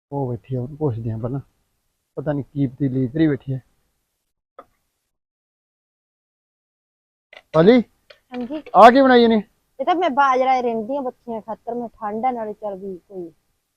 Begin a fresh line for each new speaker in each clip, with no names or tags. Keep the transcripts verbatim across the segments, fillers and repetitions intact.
ਉਹ ਬੈਠੀ ਆ, ਉਹਨੂੰ ਪੁੱਛਦੇ ਆ ਪਹਿਲਾਂ। ਪਤਾ ਨਹੀਂ ਕੀ ਪਤੀਲੀ ਇਧਰ ਹੀ ਬੈਠੀ ਹੈ। ਪਾਲੀ,
ਹਾਂਜੀ।
ਆ ਕੀ ਬਣਾਈ ਨੇ?
ਇਹ ਤਾਂ ਮੈਂ ਬਾਜਰਾ ਰਹਿੰਦੀ ਆ ਬੱਚੀਆਂ ਖਾਤਰ। ਮੈਂ ਠੰਡ ਆ ਨਾਲੇ ਚੱਲ ਵੀ ਕੋਈ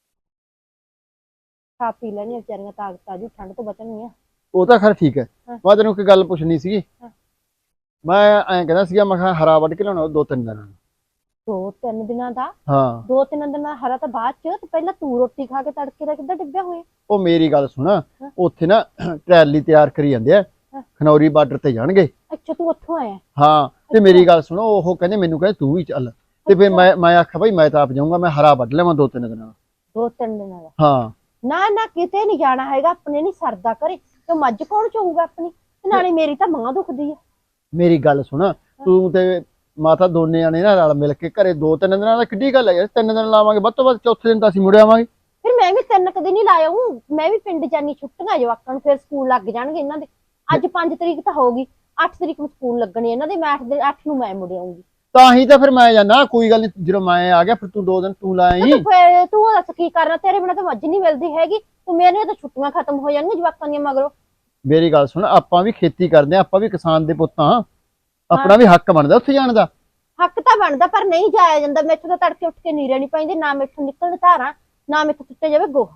ਖਾ ਪੀ ਲੈਣੀ ਵਿਚਾਰੀਆਂ, ਤਾਕਤ ਆ ਜੂ, ਠੰਡ ਤੋਂ ਬਚਣਗੀਆਂ।
ਉਹ ਤਾਂ ਖੈਰ ਠੀਕ ਹੈ।
ਹਾਂ।
ਮੈਂ ਤੈਨੂੰ ਇੱਕ ਗੱਲ ਪੁੱਛਣੀ ਸੀਗੀ।
ਹਾਂ।
ਮੈਂ ਐਂ ਕਹਿੰਦਾ ਸੀਗਾ, ਮੈਂ ਕਿਹਾ ਹਰਾ ਵੱਢ ਕੇ ਲਿਆਉਣਾ ਦੋ ਤਿੰਨ ਦਿਨਾਂ ਨੂੰ।
ਦੋ ਤਿੰਨ ਦਿਨਾਂ ਦਾ?
ਹਾਂ।
ਦੋ ਤਿੰਨ ਦਿਨਾਂ ਦਾ ਹਰਾ ਤਾਂ ਬਾਅਦ ਚ, ਤੇ ਪਹਿਲਾਂ ਤੂੰ ਰੋਟੀ ਖਾ ਕੇ ਤੜਕੇ ਦਾ ਕਿੱਦਾਂ ਡਿੱਗਿਆ ਹੋਇਆ?
ਉਹ ਮੇਰੀ ਗੱਲ ਸੁਣ, ਉੱਥੇ ਨਾ ਟਰੈਲੀ ਤਿਆਰ ਕਰੀ ਜਾਂਦੇ ਆ, ਖਨੌਰੀ ਬਾਰਡਰ ਤੇ ਜਾਣਗੇ।
ਅੱਛਾ, ਤੂੰ ਉੱਥੋਂ ਆਇਆ?
ਹਾਂ। ਤੇ ਮੇਰੀ ਗੱਲ ਸੁਣੋ, ਉਹ ਕਹਿੰਦੇ ਮੈਨੂੰ ਕਹਿੰਦੇ ਤੂੰ ਵੀ ਚੱਲ। ਤੇ ਫਿਰ ਮੈਂ ਮੈਂ ਆਖਿਆ ਭਾਈ ਮੈਂ ਤਾਂ ਆਪ ਜਾਊਂਗਾ, ਮੈਂ ਹਰਾ ਵੱਢ ਲਿਆਵਾਂ ਦੋ ਤਿੰਨ ਦਿਨਾਂ ਦਾ।
ਦੋ ਤਿੰਨ ਦਿਨਾਂ ਦਾ?
ਹਾਂ।
ਨਾ ਨਾ, ਕਿਤੇ ਨਹੀਂ ਜਾਣਾ ਹੈਗਾ, ਆਪਣੇ ਨਹੀਂ ਸਰਦਾ ਕਰੇ ਤੇ ਮੱਝ ਕੌਣ ਚੋਊਗਾ ਆਪਣੀ? ਤੇ ਨਾਲੇ ਮੇਰੀ ਤਾਂ ਮਾਂ ਦੁਖਦੀ ਆ।
ਮੇਰੀ ਗੱਲ ਸੁਣ, ਤੂੰ ਤੇ ਮਾਤਾ ਦੋਨੇ ਜਾਣੇ ਨਾ ਰਲ ਮਿਲ ਕੇ ਘਰੇ ਦੋ ਤਿੰਨ ਦਿਨਾਂ ਦਾ ਕਿੱਡੀ ਗੱਲ ਹੈ ਯਾਰ। ਤਿੰਨ ਦਿਨ ਲਾਵਾਂਗੇ, ਵੱਧ ਤੋਂ ਵੱਧ ਚੌਥੇ ਦਿਨ ਤਾਂ ਅਸੀਂ ਮੁੜ ਆਵਾਂਗੇ।
ਫਿਰ ਮੈਂ ਵੀ ਤਿੰਨ ਕੁ ਦਿਨ ਹੀ ਲਾਇਆ ਹੂੰ। ਮੈਂ ਵੀ ਪਿੰਡ ਜਾਨੀ, ਛੁੱਟੀਆਂ ਜਵਾਕਾਂ ਨੂੰ, ਫਿਰ ਸਕੂਲ ਲੱਗ ਜਾਣਗੇ ਇਹਨਾਂ ਦੇ। ਅੱਜ ਪੰਜ ਤਰੀਕ ਤਾਂ ਹੋਊਗੀ, ਅੱਠ ਤਰੀਕ ਨੂੰ ਸਕੂਲ ਲੱਗਣੇ ਇਹਨਾਂ ਦੇ। ਮੈਂ ਅੱਠ ਦੇ ਅੱਠ ਨੂੰ ਮੈਂ ਮੁੜ ਆਉਂਗੀ।
ਤਾਂ ਹੀ ਤਾਂ ਫਿਰ ਮੈਂ ਜਾਣਾ, ਕੋਈ ਗੱਲ ਨਹੀਂ। ਜਦੋਂ ਮੈਂ ਆ ਗਿਆ ਫਿਰ ਤੂੰ ਦੋ ਦਿਨ ਤੂੰ ਲਾਈ।
ਫਿਰ ਤੂੰ ਦੱਸ ਕੀ ਕਰਨਾ? ਤੇਰੇ ਬਿਨਾਂ ਤਾਂ ਮੱਝ ਨਹੀਂ ਮਿਲਦੀ ਹੈਗੀ। ਤੂੰ ਮੇਰੇ ਤਾਂ ਛੁੱਟੀਆਂ ਖਤਮ ਹੋ ਜਾਣਗੀਆਂ ਜਵਾਕਾਂ ਦੀਆਂ ਮਗਰੋਂ।
ਮੇਰੀ ਗੱਲ ਸੁਣ, ਆਪਾਂ ਵੀ ਖੇਤੀ ਕਰਦੇ ਆ, ਆਪਾਂ ਵੀ ਕਿਸਾਨ ਦੇ ਪੁੱਤ ਹਾਂ। ਆਪਣਾ ਵੀ ਹੱਕ ਬਣਦਾ ਉੱਥੇ ਜਾਣ ਦਾ।
ਹੱਕ ਤਾਂ ਬਣਦਾ, ਪਰ ਨਹੀਂ ਜਾਇਆ ਜਾਂਦਾ। ਮੈਥੋਂ ਤਾਂ ਤੜਕੇ ਉੱਠ ਕੇ ਨੀਰੇ ਨਹੀਂ ਪੈਂਦੇ, ਨਾ ਮੈਥੋਂ ਨਿਕਲਣ ਧਾਰਾਂ, ਨਾ ਮੈਥੋਂ ਸੁੱਟੇ ਜਾਵੇ ਗੋਹਾ।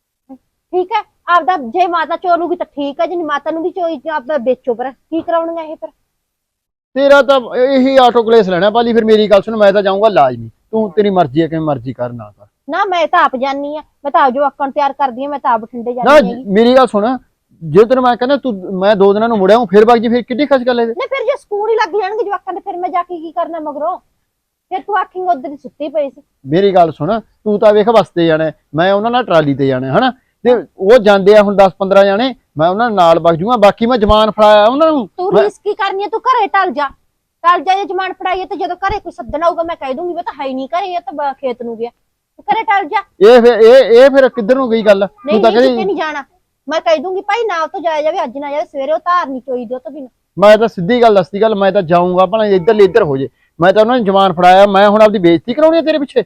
ਠੀਕ ਹੈ, ਆਪਦਾ ਜੇ ਮਾਤਾ ਚੋਲੂਗੀ ਤਾਂ ਠੀਕ ਹੈ, ਜੇ ਮਾਤਾ ਨੂੰ ਵੀ ਚੋਈ ਆਪਦਾ ਵੇਚੋ। ਪਰ ਕੀ ਕਰਾਉਣੀਆਂ ਇਹ? ਫਿਰ
ਤੇਰਾ ਤਾਂ ਇਹੀ ਆਟੋ ਕਲੇਸ ਲੈਣਾ ਪਾਲੀ। ਫਿਰ ਮੇਰੀ ਗੱਲ ਸੁਣ, ਮੈਂ ਤਾਂ ਜਾਊਂਗਾ ਲਾਜ਼ਮੀ। ਤੂੰ ਤੇਰੀ ਮਰਜ਼ੀ ਹੈ, ਕਿਵੇਂ ਮਰਜ਼ੀ ਕਰ ਨਾ ਕਰ।
ਨਾ, ਮੈਂ ਤਾਂ ਆਪ ਜਾਨੀ ਆ। ਮੈਂ ਤਾਂ ਜੋ ਅੱਕਣ ਤਿਆਰ ਕਰਦੀ ਆ। ਮੈਂ ਤਾਂ ਆਪ ਬਠਿੰਡੇ
ਨਾ
ਜਾਨੀ ਹੈਗੀ।
ਮੇਰੀ ਗੱਲ ਸੁਣ, ਜੇ ਤੈਨੂੰ ਮੈਂ ਕਹਿੰਦਾ ਤੂੰ ਮੈਂ ਦੋ ਦਿਨਾਂ ਨੂੰ ਮੁੜਿਆ ਹੂੰ, ਫਿਰ ਬਾਗ ਜੀ ਫਿਰ ਕਿੱਡੀ ਖਸ ਗੱਲ ਹੈ।
ਨਹੀਂ, ਫਿਰ ਜੇ ਸਕੂਲ ਹੀ ਲੱਗ ਜਾਣਗੇ ਜਵਾਕਾਂ ਦੇ, ਫਿਰ ਮੈਂ ਜਾ ਕੇ ਕੀ ਕਰਨਾ ਮਗਰੋਂ? ਫਿਰ ਤੂੰ ਆਖੇਂਗਾ ਉਧਰ ਹੀ ਸੁੱਤੀ ਪਈ ਸੀ।
ਮੇਰੀ ਗੱਲ ਸੁਣ, ਤੂੰ ਤਾਂ ਵੇਖ ਬੱਸ ਤੇ ਜਾਣਾ, ਮੈਂ ਉਹਨਾਂ ਨਾਲ ਟਰਾਲੀ ਤੇ ਜਾਣਾ ਹਨਾ। ਤੇ ਉਹ ਜਾਂਦੇ ਆ ਹੁਣ ਦਸ ਪੰਦਰਾਂ ਜਾਣੇ, ਮੈਂ ਉਹਨਾਂ ਨਾਲ ਵਗ ਜੂਗਾ। ਬਾਕੀ ਮੈਂ ਜਮਾਨ ਫੜਾਇਆ ਉਹਨਾਂ ਨੂੰ।
ਤੂੰ ਰੀਸ ਕੀ ਕਰਨੀ ਹੈ? ਤੂੰ ਘਰੇ ਟਲ ਜਾ, ਟਲ ਜਾ। ਜੇ ਜਮਾਨ ਫੜਾਈਏ ਤੇ ਜਦੋਂ ਘਰੇ ਕੋਈ ਸੱਦਣਾ ਹੋਊਗਾ ਮੈਂ ਕਹਿ ਦੂੰਗੀ, ਮੈਂ ਤਾਂ ਹੈ ਹੀ ਨਹੀਂ ਘਰੇ, ਇਹ ਤਾਂ ਖੇਤ ਨੂੰ ਗਿਆ। ਤੂੰ ਘਰੇ ਟਲ ਜਾ।
ਇਹ ਫਿਰ ਇਹ ਇਹ ਫਿਰ ਕਿੱਧਰ ਨੂੰ ਗਈ ਗੱਲ?
ਨਹੀਂ
ਤੂੰ ਤਾਂ
ਨਹੀਂ, ਕਿਤੇ
ਕਹਿੰਦੀ
ਨਹੀਂ ਜਾਣਾ। ਮੈਂ ਕਹਿ ਦੂੰਗੀ ਭਾਈ ਨਾ ਤੋਂ ਜਾਇਆ ਜਾਵੇ, ਅੱਜ ਨਾ ਜਾਵੇ, ਸਵੇਰੇ ਉਹ ਧਾਰ ਨਹੀਂ ਚੋਈ ਦਿਓ ਤੋਂ ਬਿਨਾਂ।
ਮੈਂ ਤਾਂ ਸਿੱਧੀ ਗੱਲ ਦੱਸਦੀ ਗੱਲ, ਮੈਂ ਤਾਂ ਜਾਊਂਗਾ ਭਲਾ ਇੱਧਰ ਲਈ ਇੱਧਰ ਹੋ ਜੇ। ਮੈਂ ਤਾਂ ਉਹਨਾਂ ਨੇ ਜਮਾਨ ਫੜਾਇਆ, ਮੈਂ ਹੁਣ ਆਪਦੀ ਬੇਇੱਜ਼ਤੀ ਕਰਾਉਣੀ ਹੈ ਤੇਰੇ ਪਿੱਛੇ?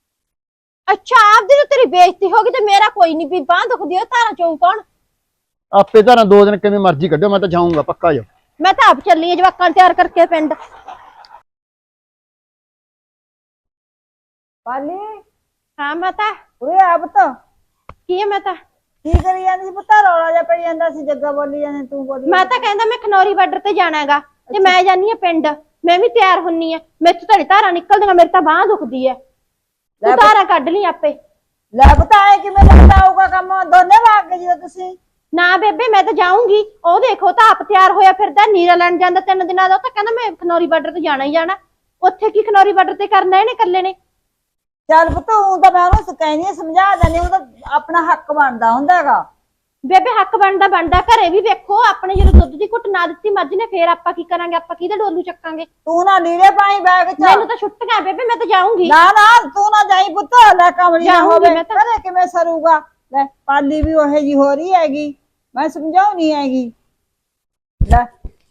ਅੱਛਾ, ਆਪਦੀ ਨੂੰ ਤੇਰੀ ਬੇਇੱਜ਼ਤੀ ਹੋ ਗਈ ਤੇ ਮੇਰਾ ਕੋਈ ਨਹੀਂ। ਵੀ ਬਾਂਹ ਦੁਖਦੀ ਹੈ, ਧਾਰਾਂ ਚੋਂ ਕੌਣ?
ਆਪੇ ਧਾਰਾਂ ਦੋ ਦਿਨ ਕਿਵੇਂ ਮਰਜ਼ੀ ਕੱਢੋ, ਮੈਂ ਤਾਂ ਜਾਊਂਗਾ ਪੱਕਾ ਜਾ।
ਮੈਂ ਤਾਂ ਆਪ ਚੱਲੀ ਆ ਜਵਾਕਾਂ ਨੂੰ ਤਿਆਰ ਕਰਕੇ ਪਿੰਡ।
ਪਾਲੀ,
ਹਾਂ ਮਾਤਾ।
ਉਰੇ ਆ ਪੁੱਤ।
ਕੀ ਹੈ ਮਾਤਾ?
ਕੀ ਕਰੀ ਜਾਂਦੀ ਸੀ ਪੁੱਤ? ਰੌਲਾ ਜਿਹਾ ਪਈ ਜਾਂਦਾ ਸੀ, ਜੱਗਾ ਬੋਲੀ ਜਾਂਦੇ, ਤੂੰ ਬੋਲੀ।
ਮੈਂ ਤਾਂ ਕਹਿੰਦਾ ਮੈਂ ਖਨੌਰੀ ਬਾਰਡਰ ਤੇ ਜਾਣਾ ਹੈਗਾ, ਤੇ ਮੈਂ ਜਾਨੀ ਆ ਪਿੰਡ। ਮੈਂ ਵੀ ਤਿਆਰ ਹੁੰਨੀ ਆ। ਮੇਰੇ ਤੋਂ ਤਾਂ ਧਾਰਾਂ ਨਿਕਲਦੀਆਂ, ਮੇਰੀ ਤਾਂ ਬਾਂਹ ਦੁਖਦੀ ਹੈ। ਤੂੰ ਧਾਰਾਂ ਕੱਢ ਲਈ ਆਪੇ।
ਲੈ ਪੁੱਤ, ਆਏ ਕਿਵੇਂ ਲੱਗਦਾ ਆਊਗਾ ਕੰਮ? ਦੋਨੇ ਭਾਗ ਗਏ ਜਦੋਂ ਤੁਸੀਂ।
ਨਾ ਬੇਬੇ, ਮੈਂ ਤਾਂ ਜਾਊਂਗੀ। ਉਹ ਦੇਖੋ ਤਾਂ ਆਪ ਤਿਆਰ ਹੋਇਆ ਫਿਰਦਾ, ਨੀਰਾ ਲੈਣ ਜਾਂਦਾ ਤਿੰਨ ਦਿਨਾਂ ਦਾ। ਉਹ ਤਾਂ ਕਹਿੰਦਾ ਮੈਂ ਖਨੌਰੀ ਬਾਰਡਰ ਤੇ ਜਾਣਾ ਹੀ ਜਾਣਾ। ਉੱਥੇ ਕੀ ਖਨੌਰੀ ਬਾਰਡਰ ਤੇ ਕਰਨਾ ਇਹਨੇ ਇਕੱਲੇ ਨੇ?
ਚੱਲ ਪੁੱਤ, ਉਹ ਤਾਂ ਮੈਂ ਉਹਨੂੰ ਕਹਿੰਦੀ ਆ, ਸਮਝਾ ਦਿੰਦੀ। ਉਹ ਤਾਂ ਆਪਣਾ ਹੱਕ ਬਣਦਾ ਹੁੰਦਾ ਹੈਗਾ।
ਬੇਬੇ ਹੱਕ ਬਣਦਾ ਬਣਦਾ। ਘਰੇ ਵੀ ਵੇਖੋ, ਆਪਣੇ ਜਦੋਂ ਦੁੱਧ ਦੀ ਘੁੱਟ ਨਾ ਦਿੱਤੀ ਮੱਝ ਨੇ, ਫੇਰ ਆਪਾਂ ਕੀ ਕਰਾਂਗੇ? ਆਪਾਂ ਕਿਹਦੇ ਡੋਲੂ ਚੱਕਾਂਗੇ?
ਤੂੰ ਨਾ ਲੀੜੇ ਪਾਈ ਬੈਗ ਚ।
ਮੈਨੂੰ ਤਾਂ ਛੁੱਟੀਆਂ ਬੇਬੇ, ਮੈਂ ਤਾਂ ਜਾਊਂਗੀ।
ਨਾ ਨਾ, ਤੂੰ ਨਾ ਜਾਈ ਪੁੱਤ। ਲੈ ਕਮਲੀ ਨਾ
ਜਾਊਂਗੀ
ਹੋਵੇ,
ਮੈਂ ਤਾਂ।
ਘਰੇ ਕਿਵੇਂ ਸਰੂਗਾ? ਲੈ ਪਾਲੀ ਵੀ ਉਹੇ ਜੀ ਹੋ ਰਹੀ ਹੈਗੀ, ਮੈਂ ਸਮਝਾਉਣੀ ਹੈਗੀ। ਲੈ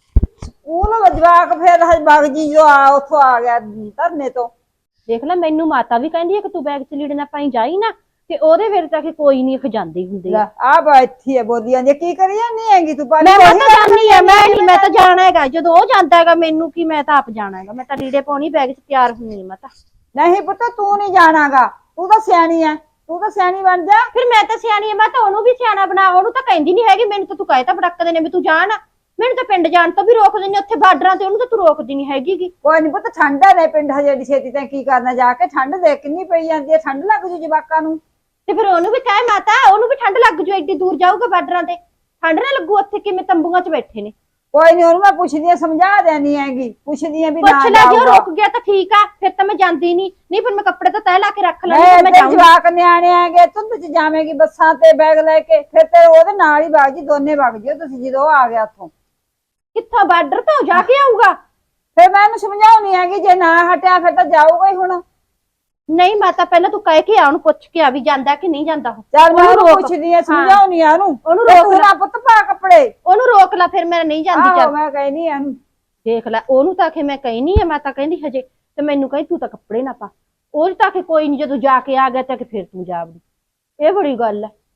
ਸਕੂਲ ਜਵਾਕ ਫੇਰ ਬਾਗ ਜੀ ਜੋ ਆ ਉੱਥੋਂ ਆ ਗਿਆ ਧਰਨੇ ਤੋਂ।
ਦੇਖ ਲੈ, ਮੈਨੂੰ ਮਾਤਾ ਵੀ ਕਹਿੰਦੀ ਹੈ ਕਿ ਤੂੰ ਬੈਗ ਚ ਲੀੜੇ ਨਾ ਪਾਈ ਜਾਈ ਨਾ, ਤੇ ਉਹਦੇ ਵੇਲੇ ਤਾਂ ਕਿ ਕੋਈ ਨਹੀਂ ਖਜਾਂਦੀ ਹੁੰਦੀ।
ਲੈ ਆ ਬੈਠੀ ਹੈ ਬੋਲੀ ਜਾਂਦੀ, ਕੀ ਕਰੀ ਜਾਂਦੀ ਹੈਗੀ ਤੂੰ? ਪਾਲੀ
ਮੈਂ ਤਾਂ ਜਾਣੀ ਹੈ। ਮੈਂ ਨਹੀਂ, ਮੈਂ ਤਾਂ ਜਾਣਾ ਹੈਗਾ। ਜਦੋਂ ਉਹ ਜਾਂਦਾ ਹੈਗਾ, ਮੈਨੂੰ ਕੀ, ਮੈਂ ਤਾਂ ਆਪ ਜਾਣਾ ਹੈਗਾ। ਮੈਂ ਤਾਂ ਲੀੜੇ ਪਾਉਣੀ, ਬੈਗ ਚ ਤਿਆਰ ਹੁੰਨੀ। ਮੈਂ ਤਾਂ
ਨਹੀਂ ਪੁੱਤ, ਤੂੰ ਨਹੀਂ ਜਾਣਾਗਾ। ਤੂੰ ਤਾਂ ਸਿਆਣੀ ਐ, ਤੂੰ ਤਾਂ ਸਿਆਣੀ ਬਣ ਜਾ।
ਫਿਰ ਮੈਂ ਤਾਂ ਸਿਆਣੀ ਹੈ, ਮੈਂ ਤਾਂ ਉਹਨੂੰ ਵੀ ਸਿਆਣਾ ਬਣਾ। ਉਹਨੂੰ ਤਾਂ ਕਹਿੰਦੀ ਨਹੀਂ ਹੈਗੀ, ਮੈਨੂੰ ਤਾਂ ਤੂੰ ਕਹੇ ਤਾਂ ਬੜਕਦੇ ਨੇ ਵੀ ਤੂੰ ਜਾਣ। ਮੈਨੂੰ ਤਾਂ ਪਿੰਡ ਜਾਣ ਤੋਂ ਵੀ ਰੋਕਦੇ ਨੇ, ਉੱਥੇ ਬਾਰਡਰਾਂ ਤੇ ਉਹਨੂੰ ਤਾਂ ਤੂੰ ਰੋਕਦੀ ਨਹੀਂ ਹੈਗੀ।
ਕੋਈ ਨੀ ਪੁੱਤ, ਠੰਡ ਹੈ ਪਿੰਡ ਹਜੇ ਏਡੀ ਛੇਤੀ ਤਾਂ ਕੀ ਕਰਨਾ ਜਾ ਕੇ? ਠੰਡ ਦੇਖ ਕਿੰਨੀ ਪਈ ਜਾਂਦੀ ਹੈ, ਠੰਡ ਲੱਗ ਜੂ ਜਵਾਕਾਂ ਨੂੰ।
ਤੇ ਫਿਰ ਉਹਨੂੰ ਵੀ ਕਹੇ ਮਾਤਾ, ਉਹਨੂੰ ਵੀ ਠੰਡ ਲੱਗ ਜੂ, ਐਡੀ ਦੂਰ ਜਾਊਗਾ ਬਾਰਡਰਾਂ ਤੇ, ਠੰਡ ਨਾ ਲੱਗੂ? ਉੱਥੇ ਕਿਵੇਂ ਤੰਬੂਆਂ ਚ ਬੈਠੇ ਨੇ।
ਕੋਈ ਨੀ, ਉਹਨੂੰ ਮੈਂ ਪੁੱਛਦੀ ਆ, ਸਮਝਾ ਦੇਣੀ ਹੈਗੀ। ਪੁੱਛਦੀ ਆ ਵੀ ਨਾ
ਪੁੱਛ ਲੈ, ਜੇ ਉਹ ਰੁਕ ਗਿਆ ਤਾਂ ਠੀਕ ਆ, ਫਿਰ ਤਾਂ ਮੈਂ ਜਾਂਦੀ ਨਹੀਂ। ਨਹੀਂ ਫਿਰ ਮੈਂ ਕੱਪੜੇ ਤਾਂ ਤੈਅ ਲਾ ਕੇ ਰੱਖ ਲੈਣੀ, ਮੈਂ ਜਾਊਂਗੀ।
ਜਵਾਕ ਨਿਆਣੇ ਆਗੇ, ਧੁੰਦ ਚ ਜਾਵੇਂਗੀ ਬੱਸਾਂ ਤੇ ਬੈਗ ਲੈ ਕੇ, ਫਿਰ ਤੇ ਉਹਦੇ ਨਾਲ ਹੀ ਵਗ ਜੀ, ਦੋਨੇ ਵਗ ਜਿਓ ਤੁਸੀਂ ਜਦੋਂ ਉਹ ਆ ਗਿਆ ਉੱਥੋਂ।
ਕਿੱਥੋਂ? ਬਾਰਡਰ ਤੋਂ ਜਾ ਕੇ ਆਊਗਾ?
ਫਿਰ ਮੈਂ ਇਹਨੂੰ ਸਮਝਾਉਣੀ ਹੈਗੀ, ਜੇ ਨਾ ਹਟਿਆ ਫਿਰ ਤਾਂ ਜਾਊਗਾ ਹੀ ਹੁਣ।
ਨਹੀਂ ਮਾਤਾ, ਪਹਿਲਾਂ ਤੂੰ ਕਹਿ ਕੇ ਆ, ਉਹਨੂੰ ਪੁੱਛ ਕੇ ਆ ਵੀ ਜਾਂਦਾ ਕਿ ਨਹੀਂ ਜਾਂਦਾ ਉਹ।
ਚੱਲ ਮੈਂ ਉਹਨੂੰ ਪੁੱਛਦੀ ਆ, ਸਮਝਾਉਣੀ ਆ ਉਹਨੂੰ।
ਉਹਨੂੰ ਰੋਕ
ਲੈ ਪੁੱਤ, ਪਾ ਕੱਪੜੇ।
ਉਹਨੂੰ ਰੋਕ ਲੈ, ਫਿਰ ਮੈਂ ਨਹੀਂ ਜਾਂਦੀ। ਚੱਲ
ਮੈਂ ਕਹਿਨੀ ਆ ਇਹਨੂੰ।
ਦੇਖ ਲੈ, ਉਹਨੂੰ ਤਾਂ ਆਖੇ ਮੈਂ ਕਹੀ ਨਹੀਂ ਆ, ਮੈਂ ਤਾਂ ਕਹਿੰਦੀ ਹਜੇ, ਤੇ ਮੈਨੂੰ ਕਹੀ ਤੂੰ ਤਾਂ ਕੱਪੜੇ ਨਾ ਪਾ। ਉਹ ਤਾਂ ਆਖੇ ਕੋਈ ਨਹੀਂ, ਜਦੋਂ ਜਾ ਕੇ ਆ ਗਿਆ ਤਾਂ ਕਿ ਫਿਰ ਤੂੰ ਜਾਵੜੀ। ਇਹ ਬੜੀ ਗੱਲ ਹੈ।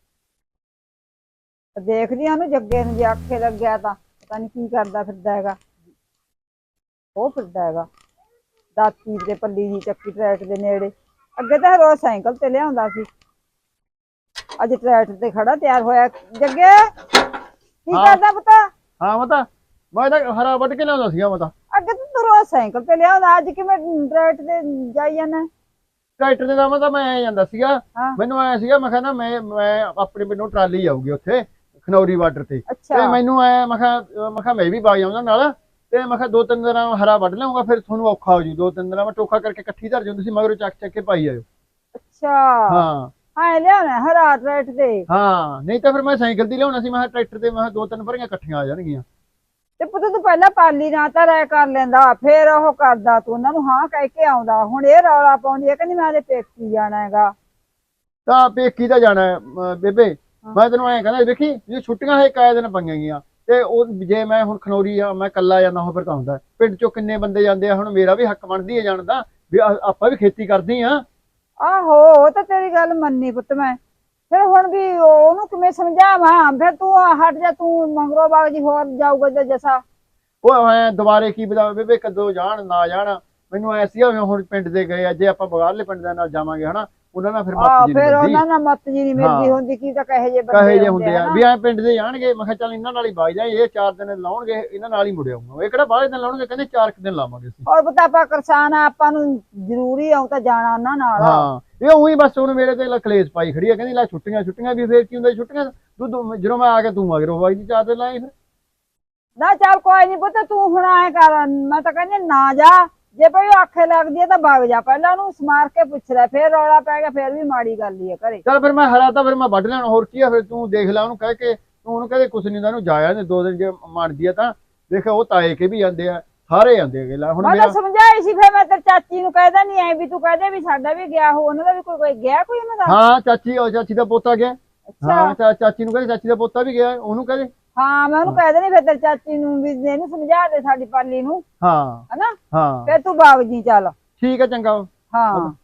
ਦੇਖਦੀ ਆ ਉਹਨੂੰ ਜੱਗੇ ਨੂੰ ਜੇ ਆਖੇ ਲੱਗਿਆ ਤਾਂ ਪਤਾ ਨੀ ਕੀ ਕਰਦਾ ਫਿਰਦਾ ਹੈਗਾ। ਉਹ ਫਿਰਦਾ ਹੈਗਾ ਦਾਤੀ ਦੇ ਪੱਲੀ ਦੀ ਚੱਕੀ ਟਰੈਕ ਦੇ ਨੇੜੇ। ਅੱਗੇ ਤਾਂ ਰੋਜ਼ ਸਾਈਕਲ ਤੇ ਲਿਆਉਂਦਾ ਸੀ, ਅੱਜ ਟਰੈਕਟਰ ਤੇ ਖੜਾ ਤਿਆਰ ਹੋਇਆ। ਜੱਗੇ ਕੀ
ਹਾਂ।
ਕਰਦਾ ਪਤਾ?
ਹਾਂ ਮਤਾ ਮੈਂ ਤਾਂ ਹਰਾ ਵੱਢ ਕੇ ਲਿਆਉਂਦਾ ਸੀਗਾ ਮਤਾ।
ਅੱਗੇ ਤਾਂ ਤੂੰ ਰੋਜ਼ ਸਾਈਕਲ ਤੇ ਲਿਆਉਂਦਾ, ਅੱਜ ਕਿਵੇਂ ਟਰੈਕਟਰ ਤੇ ਜਾਈ ਜਾਂਦਾ?
ਟਰੈਕਟਰ ਦੇ ਦਾ ਤਾਂ ਮੈਂ ਐ ਜਾਂਦਾ ਸੀਗਾ,
ਹਾਂ
ਮੈਨੂੰ ਐ ਸੀਗਾ ਮੈਂ ਕਿਹਾ ਨਾ ਮੈਂ ਮੈਂ ਆਪਣੇ ਪਿੰਡੋਂ ਟਰਾਲੀ ਆਊਗੀ ਉੱਥੇ ਖਨੌਰੀ ਬਾਰਡਰ ਤੇ ਤੇ
ਅੱਛਾ
ਮੈਨੂੰ ਐ ਮੈਂ ਕਿਹਾ ਮੈਂ ਕਿਹਾ ਮੈਂ ਵੀ ਬਾਗ ਜਾਊਂਗਾ ਨਾਲ, ਤੇ ਮੈਂ ਕਿਹਾ ਦੋ ਤਿੰਨ ਦਿਨਾਂ ਹਰਾ ਵੱਢ ਲਿਆਉਂਗਾ, ਫਿਰ ਤੁਹਾਨੂੰ ਔਖਾ ਹੋ ਜੂ। ਦੋ ਤਿੰਨ ਦਿਨਾਂ ਮੈਂ ਟੋਕਾ ਕਰਕੇ ਇਕੱਠੀ ਧਰ ਜਾਂਦੀ ਸੀ, ਮਗਰੋਂ ਚੱਕ ਚੱਕ ਕੇ ਪਾਈ ਆਇਓ।
ਅੱਛਾ
ਹਾਂ
ਹਾਂ ਲਿਆਉਣਾ ਹਰਾ ਟਰੈਕਟਰ ਤੇ।
ਹਾਂ ਨਹੀਂ ਤਾਂ ਫਿਰ ਮੈਂ ਸਾਈਕਲ ਦੀ ਲਿਆਉਣਾ ਸੀ। ਮੈਂ ਕਿਹਾ ਟਰੈਕਟਰ ਤੇ ਮੈਂ ਕਿਹਾ ਦੋ ਤਿੰਨ ਭਰੀਆਂ ਇਕੱਠੀਆਂ ਆ ਜਾਣਗੀਆਂ।
ਤੇ ਪੁੱਤ ਤੂੰ ਪਹਿਲਾਂ ਪਾਲੀ ਨਾਲ ਤਾਂ ਰਾਇ ਕਰ ਲੈਂਦਾ, ਫੇਰ ਉਹ ਕਰਦਾ ਤੂੰ ਉਹਨਾਂ ਨੂੰ ਹਾਂ ਕਹਿ ਕੇ ਆਉਂਦਾ। ਹੁਣ ਇਹ ਰੌਲਾ ਪਾਉਂਦੀ ਹੈ ਕਹਿੰਦੀ ਮੈਂ ਉਹਦੇ ਪੇਕੀ ਜਾਣਾ ਹੈਗਾ।
ਤਾਂ ਪੇਕੀ ਤਾਂ ਜਾਣਾ ਹੈ, ਅਮ ਬੇਬੇ।
ਹਾਂ।
ਮੈਂ ਤੈਨੂੰ ਐਂ ਕਹਿੰਦਾ ਦੇਖੀ ਜੇ ਛੁੱਟੀਆਂ ਹੈ ਕਾਇ ਦਿਨ ਪਈਆਂ ਗਈਆਂ, ਤੇ ਉਹ ਜੇ ਮੈਂ ਹੁਣ ਖਨੌਰੀ ਆ ਮੈਂ ਕੱਲਾ ਜਾਂਦਾ ਹੋ ਫਿਰ ਤਾਂ ਹੁੰਦਾ ਪਿੰਡ ਚੋਂ ਕਿੰਨੇ ਬੰਦੇ ਜਾਂਦੇ ਆ। ਹੁਣ ਮੇਰਾ ਵੀ ਹੱਕ ਬਣਦੀ ਹੈ ਜਾਣ ਦਾ, ਵੀ ਆ- ਆਪਾਂ ਵੀ ਖੇਤੀ ਕਰਦੇ ਆ।
ਆਹੋ ਉਹ ਤਾਂ ਤੇਰੀ ਗੱਲ ਮੰਨੀ ਪੁੱਤ ਮੈਂ। ਫਿਰ ਹੁਣ ਵੀ ਉਹਨੂੰ ਕਿਵੇਂ ਸਮਝਾਵਾਂ? ਫਿਰ ਤੂੰ ਹਟ ਜਾ, ਤੂੰ ਮੰਗਰੋ ਬਾਗ ਜੀ ਹੋਰ ਜਾਊਗਾ ਤੇ ਜਸਾ।
ਉਹ ਐ ਦੁਬਾਰੇ ਕੀ ਬਤਾ ਬੇਬੇ ਕਦੋਂ ਜਾਣ ਨਾ ਜਾਣ। ਮੈਨੂੰ ਐ ਸੀ ਹੁਣ ਪਿੰਡ ਦੇ ਗਏ ਆ, ਜੇ ਆਪਾਂ ਬਗਾਰਲੇ ਪਿੰਡ ਦੇ ਨਾਲ ਜਾਵਾਂਗੇ ਹਨਾ, ਉਹਨਾਂ ਨਾਲ ਫਿਰ ਮੱਤ
ਆਹ
ਜੀ ਨੀ
ਫਿਰ
ਮਿਲਦੀ।
ਉਹਨਾਂ ਨਾਲ ਮੱਤ ਜੀ ਨੀ ਮਿਲਦੀ
ਹਾਂ
ਹੁੰਦੀ, ਕੀ ਤਾਂ ਕਹੇ ਜੇ
ਕਹੇ
ਬੰਦੇ
ਜੇ
ਹੁੰਦੇ
ਹੁੰਦੇ
ਆ
ਆ
ਨਾ।
ਵੀ ਐ ਪਿੰਡ ਦੇ ਜਾਣਗੇ। ਮੈਂ ਕਿਹਾ ਚੱਲ ਇਹਨਾਂ ਨਾਲ ਹੀ ਵਗ ਜਾਏ, ਇਹ ਚਾਰ ਦਿਨ ਲਾਉਣਗੇ ਇਹਨਾਂ ਨਾਲ ਹੀ ਮੁੜ ਆਊਂਗਾ। ਇਹ ਕਿਹੜਾ ਬਾਹਲੇ ਦਿਨ ਲਾਉਣਗੇ, ਕਹਿੰਦੇ ਚਾਰ ਕੁ ਦਿਨ ਲਾਵਾਂਗੇ ਅਸੀਂ।
ਔਰ ਪਤਾ ਆਪਾਂ ਕਿਸਾਨ ਆ, ਆਪਾਂ ਨੂੰ ਜ਼ਰੂਰੀ ਆਉ ਤਾਂ ਜਾਣਾ ਉਹਨਾਂ ਨਾਲ।
ਹਾਂ ਇਹ ਉਹੀ ਬਸ ਹੁਣ ਮੇਰੇ ਤੇ ਕਲੇਸ਼ ਪਾਈ ਖੜੀ ਆ, ਕਹਿੰਦੀ ਲੈ ਛੁੱਟੀਆਂ ਛੁੱਟੀਆਂ ਵੀ ਫੇਰ ਕੀ ਹੁੰਦਾ ਛੁੱਟੀਆਂ ਤੂੰ ਜਦੋਂ ਮੈਂ ਆ ਗਿਆ ਤੂੰ ਮਗਰੋਂ ਵਗ ਜੀ ਚਾਰ ਦਿਨ ਲਾਏ ਫਿਰ।
ਨਾ ਚੱਲ ਕੋਈ ਨੀ ਪੁੱਤ, ਤੂੰ ਹੁਣ ਐ ਕਰ, ਮੈਂ ਤਾਂ ਕਹਿੰਦੀ ਨਾ ਜਾ। ਜੇ ਭਈ ਉਹ ਆਖੇ ਲੱਗਦੀ ਹੈ ਤਾਂ ਵਗ ਜਾ, ਪਹਿਲਾਂ ਉਹਨੂੰ ਸਮਾਰ ਕੇ ਪੁੱਛ ਲੈ, ਫੇਰ ਰੌਲਾ ਪੈ ਗਿਆ ਫੇਰ ਵੀ ਮਾੜੀ ਗੱਲ ਹੀ ਹੈ ਘਰੇ।
ਚੱਲ ਫਿਰ ਮੈਂ ਹਰਾ ਤਾਂ ਫਿਰ ਮੈਂ ਵੱਢ ਲੈਣਾ, ਹੋਰ ਕੀ ਆ। ਫਿਰ ਤੂੰ ਦੇਖ ਲੈ ਉਹਨੂੰ ਕਹਿ ਕੇ, ਤੂੰ ਉਹਨੂੰ ਕਹਦੇ ਕੁਛ ਨੀ ਹੁੰਦਾ, ਉਹਨੂੰ ਜਾਇਆ ਨੇ ਦੋ ਦਿਨ ਜੇ ਮੰਨਦੀ ਆ ਤਾਂ ਦੇਖ ਉਹ ਤਾਏ ਕੇ ਵੀ ਜਾਂਦੇ ਆ, ਸਾਰੇ ਜਾਂਦੇ ਹੈਗੇ। ਲੈ ਹੁਣ
ਮੈਂ ਤਾਂ
ਮੇਰਾ
ਸਮਝਾਈ ਸੀ, ਫੇਰ ਮੈਂ ਤੇਰੀ ਚਾਚੀ ਨੂੰ ਕਹਿਦਾ ਨਹੀਂ ਐ ਵੀ ਤੂੰ ਕਹਦੇ ਵੀ ਸਾਡਾ ਵੀ ਗਿਆ ਹੋ, ਉਹਨਾਂ ਦਾ ਵੀ ਕੋਈ ਕੋਈ ਗਿਆ ਕੋਈ ਉਹਨਾਂ ਦਾ।
ਹਾਂ ਚਾਚੀ ਉਹ ਚਾਚੀ ਦਾ ਪੋਤਾ ਗਿਆ।
ਅੱਛਾ
ਹਾਂ ਚਾ- ਚਾਚੀ ਨੂੰ ਕਹਿੰਦੇ ਚਾਚੀ ਦਾ ਪੋਤਾ ਵੀ ਗਿਆ, ਉਹਨੂੰ ਕਹਦੇ।
ਹਾਂ ਮੈਂ ਉਹਨੂੰ ਕਹਿ ਦੇਣੀ ਫਿਰ ਤੇਰੀ ਚਾਚੀ ਨੂੰ ਵੀ ਇਹਨੂੰ ਸਮਝਾ ਦੇ ਸਾਡੀ ਪਾਲੀ ਨੂੰ,
ਹਾਂ
ਹਨਾ।
ਹਾਂ
ਫੇਰ ਤੂੰ ਬਾਗ ਜੀ ਚੱਲ।
ਠੀਕ ਹੈ ਚੰਗਾ।
ਹਾਂ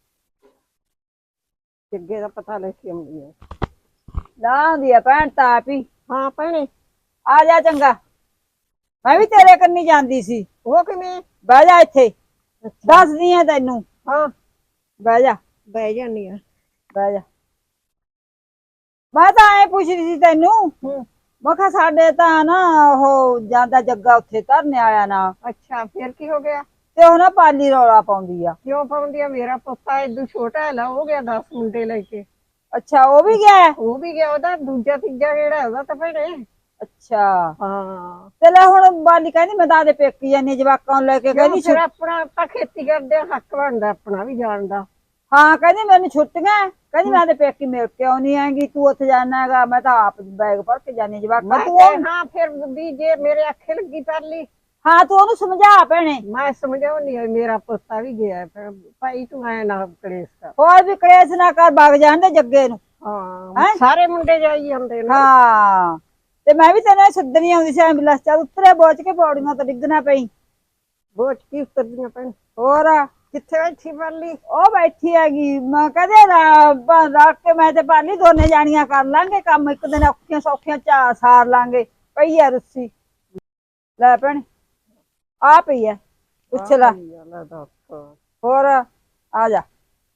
ਜੱਗੇ ਦਾ ਪਤਾ ਲੈ ਕੇ ਆਉਂਦੀ ਹੈ, ਲਾਉਂਦੀ ਆ ਭੈਣ ਤਾਂ ਆਪ ਹੀ।
ਹਾਂ ਭੈਣੇ
ਆ ਜਾ ਚੰਗਾ, ਮੈਂ ਵੀ ਤੇਰੇ ਕੰਨੀ ਜਾਂਦੀ ਸੀ।
ਉਹ ਕਿਵੇਂ?
ਬਹਿ ਜਾ ਇੱਥੇ, ਦੱਸਦੀ ਆ ਤੈਨੂੰ।
ਹਾਂ
ਬਹਿ ਜਾ
ਬਹਿ ਜਾਨੀ ਆ।
ਬਹਿ ਜਾ। ਮੈਂ ਤਾਂ ਐ ਪੁੱਛਦੀ ਸੀ ਤੈਨੂੰ, ਮੈਂ ਕਿਹਾ ਸਾਡੇ ਤਾਂ ਨਾ ਉਹ ਜਾਂਦਾ ਜੱਗਾ ਉੱਥੇ ਧਰਨੇ ਆਇਆ ਨਾ,
ਅੱਛਾ ਫਿਰ ਕੀ ਹੋ ਗਿਆ?
ਤੇ ਉਹ ਨਾ ਪਾਲੀ ਰੌਲਾ ਪਾਉਂਦੀ ਆ।
ਕਿਉਂ ਪਾਉਂਦੀ ਆ? ਮੇਰਾ ਪੁੱਤਾ ਏਦੂ ਛੋਟਾ ਹੈ, ਲਾ ਹੋ ਗਿਆ ਦਸ ਮੁੰਡੇ ਲੈ ਕੇ।
ਅੱਛਾ ਉਹ ਵੀ ਗਿਆ ਹੈ?
ਉਹ ਵੀ ਗਿਆ, ਉਹਦਾ ਦੂਜਾ ਤੀਜਾ ਕਿਹੜਾ ਉਹਦਾ ਤਾਂ ਭੈਣੇ।
ਅੱਛਾ
ਹਾਂ
ਤੇ ਲੈ ਹੁਣ ਬਾਲੀ ਕਹਿੰਦੀ ਮੈਂ ਤਾਂ ਆਪਦੇ ਪੇਕੀ ਜਾਨੀ ਜਵਾਕਾਂ ਨੂੰ ਲੈ ਕੇ, ਕਹਿੰਦੀ
ਫਿਰ ਆਪਣਾ ਆਪਾਂ ਖੇਤੀ ਕਰਦੇ ਆ, ਹੱਕ ਬਣਦਾ ਆਪਣਾ ਵੀ ਜਾਣ ਦਾ।
ਹਾਂ ਕਹਿੰਦੀ ਮੈਨੂੰ ਛੁੱਟੀਆਂ, ਕਹਿੰਦੀ ਮੈਂ ਤੇ ਪੇਕੀ ਮਿਲ ਕੇ ਆਉਣੀ ਹੈਗੀ, ਤੂੰ ਉੱਥੇ ਜਾਣਾ ਹੈਗਾ, ਮੈਂ ਤਾਂ ਆਪ ਬੈਗ ਭਰ ਕੇ ਜਾਨੀ ਜਵਾਕਾਂ ਤੂੰ।
ਹਾਂ ਫਿਰ ਵੀ ਜੇ ਮੇਰੇ ਆਖੇ ਲੱਗੀ ਪਰਲੀ।
ਹਾਂ ਤੂੰ ਉਹਨੂੰ ਸਮਝਾ ਭੈਣੇ।
ਮੈਂ ਸਮਝਾਉਣੀ ਆ, ਮੇਰਾ ਪੁੱਤਾ ਵੀ ਗਿਆ, ਫਿਰ ਭਾਈ ਤੂੰ ਐ ਨਾ ਕਲੇਸ਼ ਕਰ।
ਹੋਰ ਵੀ ਕਲੇਸ਼ ਨਾ ਕਰ, ਵਗ ਜਾਂਦੇ ਜੱਗੇ ਨੂੰ।
ਹਾਂ ਸਾਰੇ ਮੁੰਡੇ ਜਾਈ ਜਾਂਦੇ ਨੇ।
ਹਾਂ ਤੇ ਮੈਂ ਵੀ ਤੈਨੂੰ ਸੱਦਣੀ ਆਉਂਦੀ ਸੀ ਐਂਬੂਲੈਂਸ, ਚੱਲ ਉਤਰੇ ਬੋਚ ਕੇ ਪੌੜੀਆਂ ਤੋਂ ਡਿੱਗਣਾ ਪਈ।
ਬੋਝ ਕੀ ਉਤਰਦੀਆਂ ਭੈਣ?
ਹੋਰ
ਕਿੱਥੇ ਬੈਠੀ ਪਰਲੀ?
ਉਹ ਬੈਠੀ ਹੈਗੀ, ਮੈਂ ਕਹਦੇ ਰੱਖ ਕੇ ਮੈਂ ਤੇ ਪਾਲੀ ਦੋਨੇ ਜਾਣੀਆਂ ਕਰ ਲਾਂਗੇ ਕੰਮ, ਇੱਕ ਦਿਨ ਔਖੀਆਂ ਸੌਖੀਆਂ ਚਾ ਸਾਰ ਲਾਂਗੇ। ਪਈ ਆ ਰੁੱਸੀ, ਲੈ ਭੈਣ ਆ ਪਈ ਐ, ਪੁੱਛ ਲੈ। ਹੋਰ ਆ ਜਾ,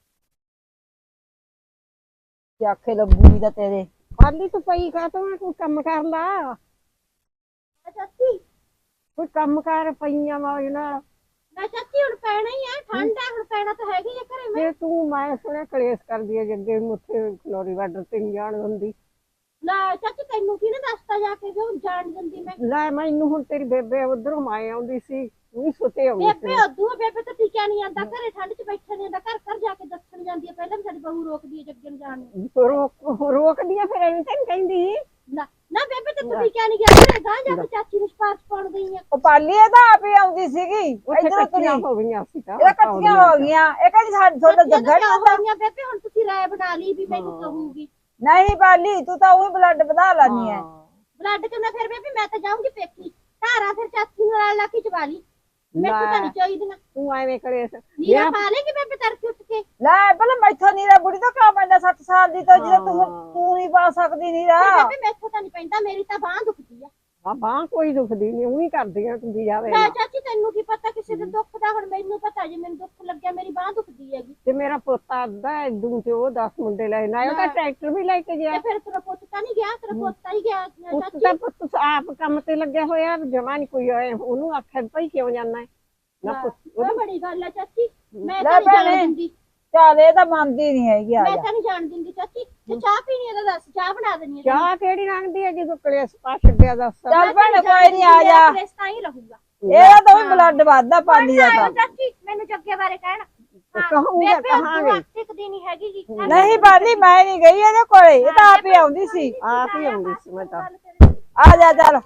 ਕੀ ਆਖੇ ਲੱਗੂਗੀ ਤਾਂ ਤੇਰੇ।
ਪਰਲੀ ਤੂੰ ਪਈ ਕਾ ਤੂੰ ਕੋਈ ਕੰਮ ਕਰ ਲਾ।
ਚਾਚੀ
ਕੋਈ ਕੰਮ ਕਰ ਪਈਆਂ ਮੌਜ ਨਾਲ।
ਮੈਂ ਚਾਚੀ ਹੁਣ ਪੈਣਾ ਹੀ ਆ, ਠੰਡ ਆ ਹੁਣ ਪੈਣਾ ਤਾਂ ਹੈਗੀ ਆ ਘਰੇ ਮੈਂ।
ਜੇ ਤੂੰ ਮੈਂ ਸੁਣਿਆ ਕਲੇਸ਼ ਕਰਦੀ ਹੈ ਜੱਗੇ ਨੂੰ ਉੱਥੇ ਖਨੌਰੀ ਬਾਰਡਰ ਤੇ ਨਹੀਂ ਜਾਣ ਦਿੰਦੀ।
ਲੈ ਚਾਚੀ ਤੈਨੂੰ ਕਿਹਨੇ ਦੱਸਤਾ ਜਾ ਕੇ ਕਿ ਹੁਣ ਜਾਣ ਦਿੰਦੀ ਮੈਂ?
ਲੈ ਮੈਨੂੰ ਹੁਣ ਤੇਰੀ ਬੇਬੇ ਉਧਰੋਂ ਮਾਏ ਆਉਂਦੀ ਸੀ, ਤੂੰ ਸੁੱਤੇ ਆਉਂਦੀ
ਬੇਬੇ
ਸੀ।
ਉਦੋਂ ਬੇਬੇ ਤਾਂ ਟਿਕਿਆ ਨਹੀਂ ਆਂਦਾ ਘਰੇ, ਠੰਡ 'ਚ ਬੈਠਾ ਨਹੀਂ ਆਂਦਾ, ਘਰ ਘਰ ਜਾ ਕੇ ਦੱਸਣ ਜਾਂਦੀ ਆ ਪਹਿਲਾਂ ਵੀ ਸਾਡੀ ਬਹੂ ਰੋਕਦੀ ਹੈ ਜੱਗੇ ਨੂੰ ਜਾਣ ਨੂੰ।
ਰੋਕ ਰੋਕਦੀਆਂ ਫਿਰ ਐਵੇਂ ਤੈਨੂੰ ਕਹਿੰਦੀ।
ਨਾ ਨਾ ਬੇਬੇ ਤੇ ਤੂੰ ਟਿਕਿਆ ਨਹੀਂ ਗਿਆ ਘਰੇ, ਗਾਂ ਜਾ ਕੇ ਚਾਚੀ ਨੂੰ ਸਪਾਰਸ਼ ਪਾਉਣ ਗਈ ਆ।
ਉਹ ਪਾਲੀ ਇਹ ਤਾਂ ਆਪ ਹੀ ਆਉਂਦੀ ਸੀਗੀ,
ਉੱਥੇ
ਇਧਰੋਂ
ਇਕੱਠੀਆਂ
ਤੁਰੀ
ਹੋ ਗਈਆਂ ਸੀ ਤਾਂ
ਇਹ ਇਕੱਠੀਆਂ ਹੋ ਗਈਆਂ। ਇਹ ਕਹਿੰਦੀ ਸਾਡੇ ਤੁਹਾਡਾ ਜੱਗਾ ਨੀ ਆਉਂਦਾ।
ਹੋਈਆਂ ਬੇਬੇ ਹੁਣ ਤੁਸੀਂ ਰਾਏ ਬਣਾ ਲਈ ਵੀ ਮੈਨੂੰ ਕਹੂਗੀ।
ਨਹੀਂ ਪਾਲੀ ਤੂੰ ਤਾਂ ਉਹੀ ਬਲੱਡ ਵਧਾ ਲੈਣੀ ਹੈ।
ਬਲੱਡ ਕਿੰਨਾ ਫਿਰ ਬੇਬੇ ਮੈਂ ਤਾਂ ਜਾਊਂਗੀ ਪੇਕੀ, ਧਾਰਾ ਫਿਰ ਚਾਚੀ ਨੂੰ ਨਾਲ ਲਾ ਕੇ ਚਵਾ ਲਈ, ਮੈਨੂੰ ਤਾਂ ਨਹੀਂ ਚਾਹੀਦੀਆਂ।
ਤੂੰ ਐਵੇਂ ਕਲੇਸ਼
ਨੀਰਾ ਪਾ ਲੇਗੀ ਬੇਬੇ ਤੜਕੇ ਉੱਠ ਕੇ।
ਲੈ ਪਹਿਲਾਂ ਮੈਥੋਂ ਨੀਰਾ ਬੁੜੀ ਤੋਂ ਕਾ ਪੈਂਦਾ ਸੱਤ ਸਾਲ ਦੀ ਤੋਂ, ਜਦੋਂ ਤੂੰ ਤੂੰ ਹੀ ਬਾ ਪਾ ਸਕਦੀ ਨਹੀਂ ਰਾ
ਬੇਬੇ ਮੈਥੋਂ ਤਾਂ ਨਹੀਂ ਪੈਂਦਾ, ਮੇਰੀ ਤਾਂ ਬਾਂਹ ਦੁਖਦੀ ਆ।
ਆ ਬਾਂਹ ਕੋਈ ਦੁਖਦੀ ਨਹੀਂ, ਉਹੀ ਕਰਦੀਆਂ ਹੁੰਦੀ ਜਾਵੇ
ਲੈ ਚਾਚੀ ਤੈਨੂੰ ਕੀ ਪਤਾ ਕਿਸੇ ਦੇ ਦੁੱਖ ਦਾ, ਹੁਣ ਮੈਨੂੰ ਪਤਾ ਜੇ ਮੈਨੂੰ ਦੁੱਖ ਲੱਗਿਆ ਮੇਰੀ ਬਾਂਹ ਦੁਖਦੀ ਹੈਗੀ।
ਤੇ ਮੇਰਾ ਪੋਤਾ ਅੱਧਾ ਇਦੂ ਤੇ ਉਹ ਦਸ ਮੁੰਡੇ ਲੈ ਨਾ ਉਹ ਤਾਂ ਟਰੈਕਟਰ ਵੀ ਲੈ ਕੇ ਗਿਆ।
ਤੇ ਫਿਰ ਤੇਰਾ ਪੁੱਤ ਤਾਂ ਨਹੀਂ ਗਿਆ, ਤੇਰਾ ਪੋਤਾ ਹੀ ਗਿਆ
ਪੁੱਤ
ਚਾਚੀ।
ਤਾਂ ਪੁੱਤ ਆਪ ਕੰਮ ਤੇ ਲੱਗਿਆ ਹੋਇਆ, ਜਮਾ ਨਹੀਂ ਕੋਈ ਆਇਆ, ਉਹਨੂੰ ਆਖਿਆ ਭਾਈ ਕਿਉਂ ਜਾਂਦਾ ਹੈ ਨਾ ਪੁੱਤ।
ਉਹ ਬੜੀ ਗੱਲ ਆ ਚਾਚੀ, ਮੈਂ
ਲੈ
ਤਾਂ ਨਹੀਂ ਜਾਣ
ਭੈਣੇ।
ਦਿੰਦੀ,
ਚੱਲ ਇਹ ਤਾਂ ਮੰਨਦੀ ਨਹੀਂ ਹੈਗੀ ਆ
ਮੈਂ
ਜਾ
ਤਾਂ ਨਹੀਂ ਜਾਣ ਦਿੰਦੀ ਚਾਚੀ। ਤੇ ਚਾਹ ਪੀਣੀ ਹੈ ਤਾਂ ਦੱਸ, ਚਾਹ ਬਣਾ ਦੇਣੀ ਹੈ।
ਚਾਹ ਕਿਹੜੀ ਲੰਘਦੀ ਹੈ ਜਦੋਂ ਕਲੇਸ਼ ਪਾ ਛੱਡਿਆ ਦੱਸ।
ਚੱਲ ਭੈਣੇ ਕੋਈ ਨਹੀਂ ਆ ਜਾ,
ਕਲੇਸ਼ ਤਾਂ ਹੀ ਰਹੂਗਾ।
ਇਹਦਾ ਤਾਂ ਵੀ ਬਲੱਡ ਵੱਧਦਾ ਪਾਲੀ ਦਾ ਤਾਂ।
ਚਾਚੀ ਮੈਨੂੰ ਜੱਗੇ ਬਾਰੇ ਕਹਿਣ
ਕਹੂੰਗਾ
ਬੇਬੇ
ਕਹਾਂਗੇ।
ਤੂੰ ਟਿਕਦੀ ਨਹੀਂ ਹੈਗੀ ਗੀ।
ਨਹੀਂ ਪਾਲੀ ਮੈਂ ਨਹੀਂ ਗਈ ਇਹਦੇ ਕੋਲੇ, ਇਹ ਤਾਂ ਆਪ ਹੀ ਆਉਂਦੀ ਸੀ।
ਆਪ ਹੀ ਆਉਂਦੀ ਸੀ ਮੈਂ ਤਾਂ।
ਆ ਜਾ ਚੱਲ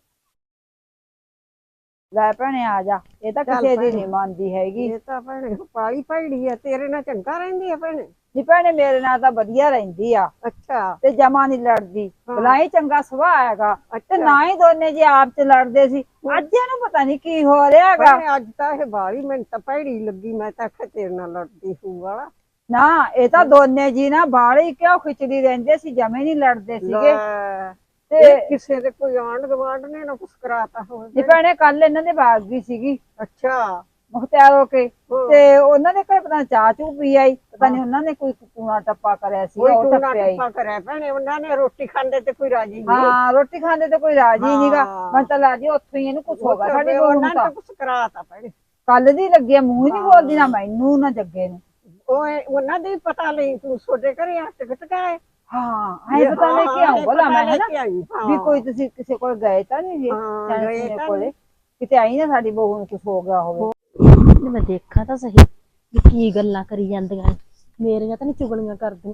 ਲੈ ਭੈਣੇ ਆ ਜਾ, ਇਹ ਤਾਂ ਕਿਸੇ ਦੀ ਨਹੀਂ ਮੰਨਦੀ ਹੈਗੀ।
ਇਹ ਤਾਂ ਭੈਣੇ ਪਾਲੀ ਭੈੜੀ ਹੈ, ਤੇਰੇ ਨਾਲ ਚੰਗਾ ਰਹਿੰਦੀ ਹੈ ਭੈਣੇ।
ਜੀ ਭੈਣੇ ਮੇਰੇ ਨਾਲ ਤਾਂ ਵਧੀਆ ਰਹਿੰਦੀ ਆ
ਅੱਛਾ
ਤੇ ਜਮਾ ਨਹੀਂ ਲੜਦੀ,
ਹਾਂ।
ਭਲਾ ਹੀ ਚੰਗਾ ਸੁਭਾਅ ਹੈਗਾ ਤੇ
ਅੱਛਾ।
ਨਾ ਹੀ ਦੋਨੇ ਜੇ ਆਪ ਚ ਲੜਦੇ ਸੀ। ਅੱਜ ਇਹਨੂੰ ਪਤਾ ਨਹੀਂ ਕੀ ਹੋ ਰਿਹਾ ਹੈਗਾ।
ਭੈਣੇ ਅੱਜ ਤਾਂ ਇਹ ਬਾਲੀ ਮੈਨੂੰ ਤਾਂ ਭੈੜੀ ਲੱਗੀ, ਮੈਂ ਤਾਂ ਆਖਿਆ ਤੇਰੇ ਨਾਲ ਲੜਦੀ ਹੋਊਗਾ।
ਨਾ ਇਹ ਤਾਂ ਦੋਨੇ ਜੀ ਨਾ ਬਾਹਲੀ ਕਿਉਂ ਖਿਚੜੀ ਰਹਿੰਦੇ ਸੀ, ਜਮੇ ਨਹੀਂ ਲੜਦੇ ਸੀਗੇ।
ਲੈ,
ਤੇ
ਇਹ ਕਿਸੇ ਦੇ ਕੋਈ ਆਂਢ ਗੁਆਂਢ ਨੇ ਨਾ ਕੁਛ ਕਰਾਤਾ
ਜੀ
ਹੋਵੇ।
ਭੈਣੇ ਕੱਲ ਇਹਨਾਂ ਦੇ ਬਾਗ ਗਈ ਸੀਗੀ
ਅੱਛਾ
ਮੁਖਤਿਆਰ ਹੋ ਕੇ,
ਹਾਂ।
ਤੇ ਉਹਨਾਂ ਦੇ ਘਰ ਪਤਾ ਨੀ ਚਾਹ ਚੂ ਪੀ ਆਈ, ਪਤਾ ਨਹੀਂ ਉਹਨਾਂ ਨੇ ਕੋਈ ਕੂਣਾ ਟੱਪਾ ਕਰਿਆ ਸੀ,
ਕੋਈ
ਉਹ
ਟੂਣਾ
ਟੱਪਿਆ ਹੀ।
ਟੱਪਾ ਕਰਿਆ ਭੈਣੇ, ਉਹਨਾਂ ਨੇ ਰੋਟੀ ਖਾਂਦੇ ਤੇ ਕੋਈ ਰਾਜੀ ਨਹੀਂ।
ਹਾਂ ਰੋਟੀ ਖਾਂਦੇ ਤੇ ਕੋਈ ਰਾਜੀ ਨਹੀਂਗਾ।
ਹਾਂ।
ਮੈਂ ਤਾਂ ਲਾਜੀ ਉੱਥੋਂ ਹੀ ਇਹਨੂੰ ਕੁਛ ਹੋ ਗਿਆ। ਸਾਡੀ ਬਹੂ
ਉਹਨਾਂ
ਨੂੰ
ਨੇ
ਤਾਂ
ਕੁਛ ਕਰਾਤਾ ਭੈਣੇ।
ਕੱਲ ਦੀ ਲੱਗੀ ਆ, ਮੂੰਹ ਨਹੀਂ ਬੋਲਦੀ ਨਾ ਮੈਨੂੰ ਨਾ ਜੱਗੇ ਨੂੰ।
ਉਹ ਉਹਨਾਂ ਦੇ ਪਤਾ ਲਈ ਤੂੰ ਛੋਡੇ ਘਰੇ ਆ ਟਿਕਟ ਕਾਏ।
ਹਾਂ ਐ ਪਤਾ ਲੈ ਕੇ ਆਉਂ ਬੋਲਾ ਮੈਂ ਹੈ ਨਾ ਵੀ
ਵੀ
ਕੋਈ ਤੁਸੀਂ ਕਿਸੇ ਕੋਲ ਗਏ ਤਾਂ ਨਹੀਂ
ਹਾਂ,
ਜੀ
ਗਏ ਤਾਂ
ਕੋਲੇ, ਕਿਤੇ ਆਈ ਨਾ ਸਾਡੀ ਬਹੂ ਨੂੰ ਕੁਛ ਹੋ ਗਿਆ ਹੋਵੇ।
ਮੈਂ ਦੇਖਾਂ ਤਾਂ ਸਹੀ ਵੀ ਕੀ ਗੱਲਾਂ ਕਰੀ ਜਾਂਦੀਆਂ ਨੇ। ਮੇਰੀਆਂ ਤਾਂ ਨਹੀਂ ਚੁਗਲੀਆਂ ਕਰਦੀਆਂ।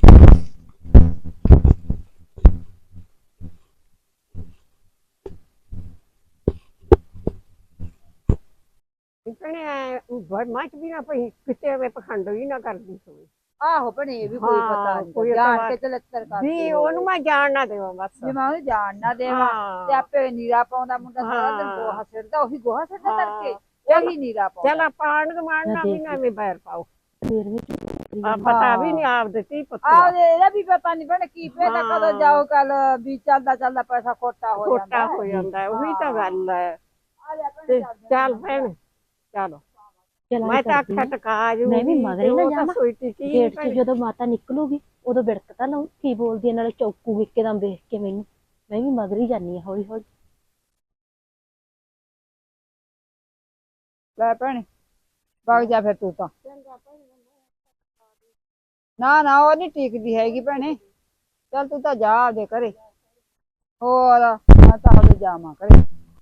ਭੈਣੇ ਮੱਚ ਵੀ ਨਾ ਪਈ, ਕਿਤੇ ਐਵੇਂ ਪਖੰਡ ਵੀ ਨਾ ਕਰਦੀ ਹੋਵੇ।
ਆਹੋ ਭਣੇ ਇਹ ਵੀ ਕੋਈ
ਹਾਂ,
ਪਤਾ
ਕੋਈ
ਨਹੀਂ ਜਾਣ
ਪਤਾ
ਕੇ ਤੇ ਲੱਤਰ ਕਰ
ਵੀ ਉਹਨੂੰ ਮੈਂ ਜਾਣ ਨਾ ਦੇਵਾਂ ਬਸ।
ਜੇ ਮੈਂ ਉਹਨੂੰ ਜਾਣ ਨਾ ਦੇਵਾਂ
ਹਾਂ।
ਤੇ ਆਪੇ ਨੀਰਾ ਪਾਉਂਦਾ ਮੁੰਡਾ ਸਾਰਾ ਦਿਨ
ਹਾਂ।
ਗੋਹਾ ਸਿਰਦਾ, ਉਹੀ ਗੋਹਾ ਸਿਰਦਾ
ਹਾਂ।
ਕਰਕੇ ਉਹੀ ਨੀਰਾ ਪਾਉਂਦਾ।
ਚੱਲ ਆਪਾਂ ਆਂਢ ਗੁਆਂਢ ਨਾਲ ਵੀ ਨਾ ਐਵੇਂ ਬੈਰ ਪਾਓ।
ਫੇਰ ਵੀ
ਆ ਪਤਾ ਵੀ ਨਹੀਂ ਆਪ ਦਿੱਤੀ
ਆਹ
ਪੁੱਤ
ਇਹਦਾ ਵੀ ਪਤਾ ਨਹੀਂ ਭੈਣੇ ਕੀ ਪਤਾ ਕਦੋਂ
ਹਾਂ।
ਜਾਓ ਕੱਲ ਵੀ ਚੱਲਦਾ ਚੱਲਦਾ ਪੈਸਾ ਖੋਟਾ ਹੋ ਜਾਂਦਾ
ਖੋਟਾ ਹੋ ਜਾਂਦਾ ਹੈ, ਉਹੀ ਤਾਂ ਗੱਲ ਹੈ।
ਆ ਜਾ ਭੈਣੇ
ਤੇ
ਚੱਲਦੇ
ਚੱਲ ਭੈਣ ਚਲੋ, ਮੈਂ ਤਾਂ ਆਖਿਆ ਟਕਾ ਜੂ
ਮੈਂ ਵੀ ਮਗਰੇ ਨਾ ਜਾਵਾਂ।
ਸੋਈ ਟਿਕੀ
ਗੇਟ 'ਚ ਜਦੋਂ ਮਾਤਾ ਨਿਕਲੂਗੀ ਉਦੋਂ ਬਿੜਕ ਤਾਂ ਲਾਉ ਕੀ ਬੋਲਦੀ ਹੈ, ਨਾਲੇ ਚੌਕੂ ਇੱਕਦਮ ਦੇਖ ਕੇ ਮੈਨੂੰ। ਮੈਂ ਵੀ ਮਗਰ ਹੀ ਜਾਨੀ ਆ ਹੌਲੀ ਹੌਲੀ।
ਲੈ ਭੈਣੇ ਵਗ ਜਾ ਫਿਰ ਤੂੰ ਤਾਂ। ਨਾ ਨਾ ਉਹ ਨਹੀਂ ਟਿਕਦੀ ਹੈਗੀ ਭੈਣੇ, ਚੱਲ ਤੂੰ ਤਾਂ ਜਾ ਆਪਦੇ ਘਰੇ। ਹੋਰ ਮੈਂ ਤਾਂ ਆਪਦੇ ਜਾਵਾਂ ਘਰੇ।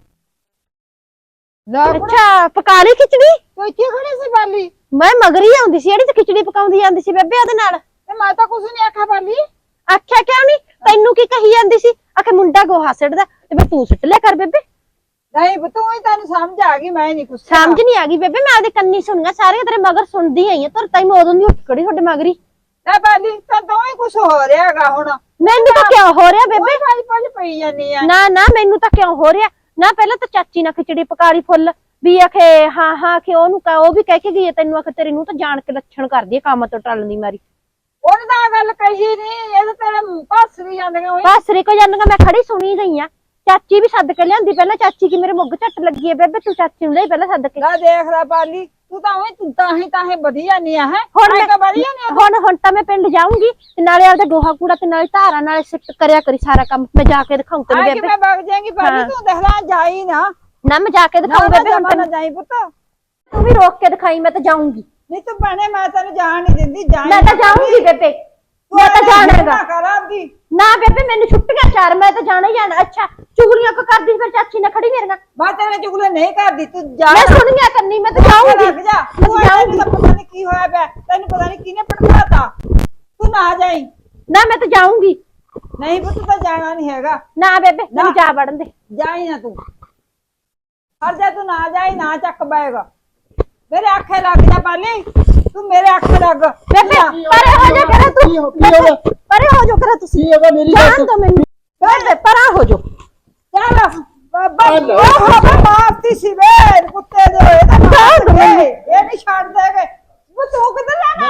ਲੈ ਕੁੜੇ,
ਅੱਛਾ ਪਕਾ ਲਈ ਖਿਚੜੀ?
ਤੂੰ ਇੱਥੇ ਖੜੀ ਸੀ ਬਾਲੀ?
ਮੈਂ ਮਗਰ ਹੀ ਆਉਂਦੀ ਸੀ, ਜਿਹੜੀ ਤੇ ਖਿਚੜੀ ਪਕਾਉਂਦੀ ਜਾਂਦੀ ਸੀ ਬੇਬੇ ਉਹਦੇ ਨਾਲ।
ਤੇ ਮੈਂ ਤਾਂ ਕੁਛ ਨਹੀਂ ਆਖਿਆ ਬਾਲੀ।
ਆਖਿਆ ਕਿਉਂ ਨਹੀਂ? ਤੈਨੂੰ ਕੀ ਕਹੀ ਜਾਂਦੀ ਸੀ? ਆਖੇ ਮੁੰਡਾ ਗੋਹਾ ਸਿੱਟਦਾ ਤੇ ਫਿਰ ਤੂੰ ਸਿੱਟ ਲਿਆ ਕਰ ਬੇਬੇ।
ਨਹੀਂ ਤੂੰ ਹੀ ਤੈਨੂੰ ਸਮਝ ਆ ਗਈ, ਮੈਂ ਨਹੀਂ ਕੁਛ
ਸਮਝ ਨਹੀਂ ਆ ਗਈ ਬੇਬੇ, ਮੈਂ ਆਪਦੇ ਕੰਨੀ ਸੁਣੀਆਂ ਸਾਰੀਆਂ ਤੇਰੇ ਮਗਰ ਸੁਣਦੀ ਆਈ ਆ। ਤੁਰ ਤਾਈ ਮੈਂ ਉਦੋਂ ਦੀ ਉੱਠ ਖੜੀ ਤੁਹਾਡੇ ਮਗਰੀ।
ਲੈ ਬਾਲੀ ਤਾਂ ਤੂੰ ਹੀ ਕੁਛ ਹੋ ਰਿਹਾ ਹੈਗਾ ਹੁਣ।
ਮੈਨੂੰ ਤਾਂ ਕਿਉਂ ਹੋ ਰਿਹਾ ਬੇਬੇ?
ਪੰਜ ਪੰਜ ਪਈ ਜਾਂਦੀ ਆ।
ਨਾ ਨਾ ਮੈਨੂੰ ਤਾਂ ਕਿਉਂ ਹੋ ਰਿਹਾ ਨਾ। ਪਹਿਲਾਂ ਤਾਂ ਚਾਚੀ ਨਾਲ ਖਿਚੜੀ ਪਕਾ ਲਈ ਫੁੱਲ ਵੀ ਆਖੇ ਹਾਂ ਹਾਂ ਕਿ ਉਹਨੂੰ ਕਹ ਉਹ ਵੀ ਕਹਿ ਕੇ ਗਈ ਹੈ ਤੈਨੂੰ, ਆਖੇ ਤੇਰੀ ਨੂੰ ਤਾਂ ਜਾਣ ਕੇ ਲੱਛਣ ਕਰਦੀ ਹੈ ਕੰਮ ਤੋਂ ਟਲਣ ਦੀ ਮਾਰੀ।
ਉਹਨੇ ਤਾਂ ਆਹ ਗੱਲ ਕਹੀ ਨਹੀਂ, ਇਹ ਤਾਂ ਤੇਰੇ ਪਾਸ ਵੀ ਜਾਂਦੀਆਂ ਉਹੀ।
ਬਾਸਰੀ ਕੋ ਜਾਂਦੀਆਂ ਮੈਂ ਖੜੀ ਸੁਣੀ ਗਈ ਆ। ਚਾਚੀ ਵੀ ਸੱਦ ਕੇ ਲਿਆਂਦੀ ਪਹਿਲਾਂ, ਚਾਚੀ ਕੀ ਮੇਰੇ ਮੁੱਗ ਝੱਟ ਲੱਗੀ ਹੈ ਬੇਬੇ, ਤੂੰ ਚਾਚੀ ਨੂੰ ਲਈ ਪਹਿਲਾਂ ਸੱਦ ਕੇ।
ਲੈ ਦੇਖ ਲੈ ਬਾਲੀ, ਤੂੰ ਤਾਂ ਉਹੀ ਤੂੰ ਤਾਂ ਹੀ ਤਾਂ ਹੀ ਵਧੀ ਜਾਂਦੀ ਆ ਹੈ।
ਹੁਣ ਮੈਂ
ਤਾਂ ਵਧੀਆ ਨਹੀਂ
ਹੁਣ ਹੁਣ ਤਾਂ ਮੈਂ ਪਿੰਡ ਜਾਊਂਗੀ ਤੇ ਨਾਲੇ ਆਪਦਾ ਗੋਹਾ ਕੂੜਾ ਤੇ ਨਾਲੇ ਧਾਰਾਂ ਨਾਲੇ ਸਿੱਟ ਕਰਿਆ ਕਰੀ ਸਾਰਾ ਕੰਮ। ਮੈਂ ਜਾ ਕੇ ਦਿਖਾਉਂ ਤੈਨੂੰ
ਆ ਕਿ
ਬੇਬੇ।
ਮੈਂ ਵਗ ਜਾਏਂਗੀ ਬਾਲੀ, ਤੂੰ ਦੇਖ ਲੈ ਜਾਈ ਨਾ।
ਨਾ ਮੈਂ ਜਾ ਕੇ ਦਿਖਾਉਂ
ਨਾ
ਬੇਬੇ ਹੁਣ
ਨਾ
ਤੈਨੂੰ।
ਜਾਈ ਪੁੱਤ।
ਤੂੰ ਵੀ ਰੋਕ ਕੇ ਦਿਖਾਈ, ਮੈਂ ਤਾਂ ਜਾਊਂਗੀ।
ਨਹੀਂ ਤੂੰ ਬਣੇ ਮੈਂ ਤੈਨੂੰ ਜਾਣ ਨਹੀਂ ਦਿੰਦੀ। ਜਾਈ
ਮੈਂ ਤਾਂ ਜਾਊਂਗੀ ਬੇਬੇ, ਮੈਂ ਤਾਂ ਜਾਣਾਗਾ।
ਕਰਾਂਗੀ
ਨਾ ਬੇਬੇ ਮੈਨੂੰ ਛੁੱਟੀਆਂ ਚਾਰ, ਮੈਂ ਤਾਂ ਜਾਣਾ ਹੀ ਜਾਣਾ। ਅੱਛਾ ਚੁਗਲੀਆਂ ਕੋ ਕਰਦੀ ਫਿਰ ਚਾਚੀ ਨਾਲ ਖੜੀ ਮੇਰੇ ਨਾਲ?
ਮੈਂ ਤੇਰੇ ਚੁਗਲੇ ਨਹੀਂ ਕਰਦੀ, ਤੂੰ ਜਾ।
ਮੈਂ ਸੁਣੀਆਂ ਕਰਨੀ, ਮੈਂ ਤਾਂ ਜਾਊਂਗੀ।
ਲੱਗ ਜਾ
ਮੈਂ
ਤੂੰ
ਤਾਂ
ਜਾਊਂਗੀ।
ਜਾਊਂਗੀ।
ਪਤਾ ਨਹੀਂ ਕੀ ਹੋਇਆ ਪਿਆ ਤੈਨੂੰ, ਪਤਾ ਨਹੀਂ ਕਿਹਨੇ ਪਟਕਾਤਾ। ਤੂੰ ਨਾ ਜਾਈ।
ਨਾ ਮੈਂ ਤਾਂ ਜਾਊਂਗੀ।
ਨਹੀਂ ਪੁੱਤ ਤਾਂ ਜਾਣਾ ਨਹੀਂ ਹੈਗਾ।
ਨਾ ਬੇਬੇ ਮੈਨੂੰ ਜਾ ਵੜਨ ਦੇ।
ਜਾਈ ਨਾ ਤੂੰ, ਹਰ ਜਾ ਤੂੰ ਨਾ ਜਾਈ, ਨਾ ਚੱਕ ਬੈਗਾ। ਮੇਰੇ ਆਖੇ ਲੱਗ ਜਾ ਬਾਲੀ, ਤੂੰ ਮੇਰੇ ਆਖੇ ਲੱਗ।
ਬੇਬੇ ਪਰੇ ਹੋ ਜਾ ਕਰਾ ਤੂੰ, ਬੇਬੇ, ਪਰੇ ਹੋ ਜਾ ਕਰਾ ਤੁਸੀਂ।
ਕੀ ਹੋਗਾ ਮੇਰੀ
ਜਾਣ ਦੋ ਮੈਨੂੰ ਬੇਬੇ, ਪਰਾਂ ਹੋ ਜਾ।
ਚੱਲ ਬਾਬਾ ਉਹ ਬਾਬਾ ਮਾਰਤੀ ਸੀ ਵੇ ਕੁੱਤੇ ਦੇ, ਇਹਦਾ
ਜਾਣ ਦੋ ਮੈਨੂੰ।
ਇਹ ਨਹੀਂ ਛੱਡ ਦੇਗੇ। ਉਹ ਤੂੰ ਕਿੱਧਰ ਲੈਣਾ?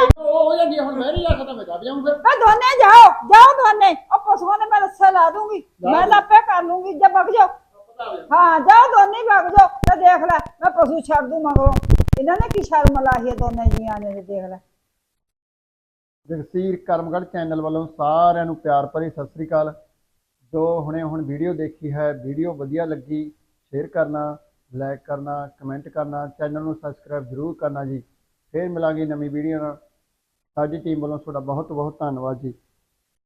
ਹੋ ਜਾਂਦੀ ਹੈ, ਹੁਣ ਮੈਂ ਨਹੀਂ ਜਾ ਸਕਦਾ, ਮੈਂ ਜਾ ਜਾਊਂ ਫਿਰ।
ਮੈਂ ਦੋਨੇ ਜਾਓ ਜਾਓ ਦੋਨੇ, ਉਹ ਪਸ਼ੂਆਂ ਨੇ ਮੈਂ ਰੱਸੇ ਲਾ ਦੂੰਗੀ, ਮੈਂ ਲਾਪੇ ਕਰ ਲੂੰਗੀ, ਜੇ ਵਗ ਜਾਓ। ਹਾਂ ਜਾਓ ਦੋਨੇ ਹੀ ਵਗ ਜਾਓ, ਤੇ ਦੇਖ ਲੈ ਮੈਂ ਪਸ਼ੂ ਛੱਡ ਦੂੰ ਮਗਰੋਂ। ਇਹਨਾਂ ਨੇ ਕੀ ਸ਼ਰਮ ਲਾਹੀ ਹੈ ਦੋਨੇ ਜੀਆਂ ਨੇ, ਦੇਖ ਲੈ।
ਜਗਸੀਰ ਕਰਮਗੜ੍ਹ ਚੈਨਲ ਵੱਲੋਂ ਸਾਰਿਆਂ ਨੂੰ ਪਿਆਰ ਭਰੀ ਸਤਿ ਸ੍ਰੀ ਅਕਾਲ। ਜੋ ਹੁਣੇ ਹੁਣ ਵੀਡੀਓ ਦੇਖੀ ਹੈ, ਵੀਡੀਓ ਵਧੀਆ ਲੱਗੀ ਸ਼ੇਅਰ ਕਰਨਾ, ਲਾਈਕ ਕਰਨਾ, ਕਮੈਂਟ ਕਰਨਾ, ਚੈਨਲ ਨੂੰ ਸਬਸਕ੍ਰਾਈਬ ਜ਼ਰੂਰ ਕਰਨਾ ਜੀ। ਫਿਰ ਮਿਲਾਂਗੇ ਨਵੀਂ ਵੀਡੀਓ ਨਾਲ। ਸਾਡੀ ਟੀਮ ਵੱਲੋਂ ਤੁਹਾਡਾ ਬਹੁਤ ਬਹੁਤ ਧੰਨਵਾਦ ਜੀ।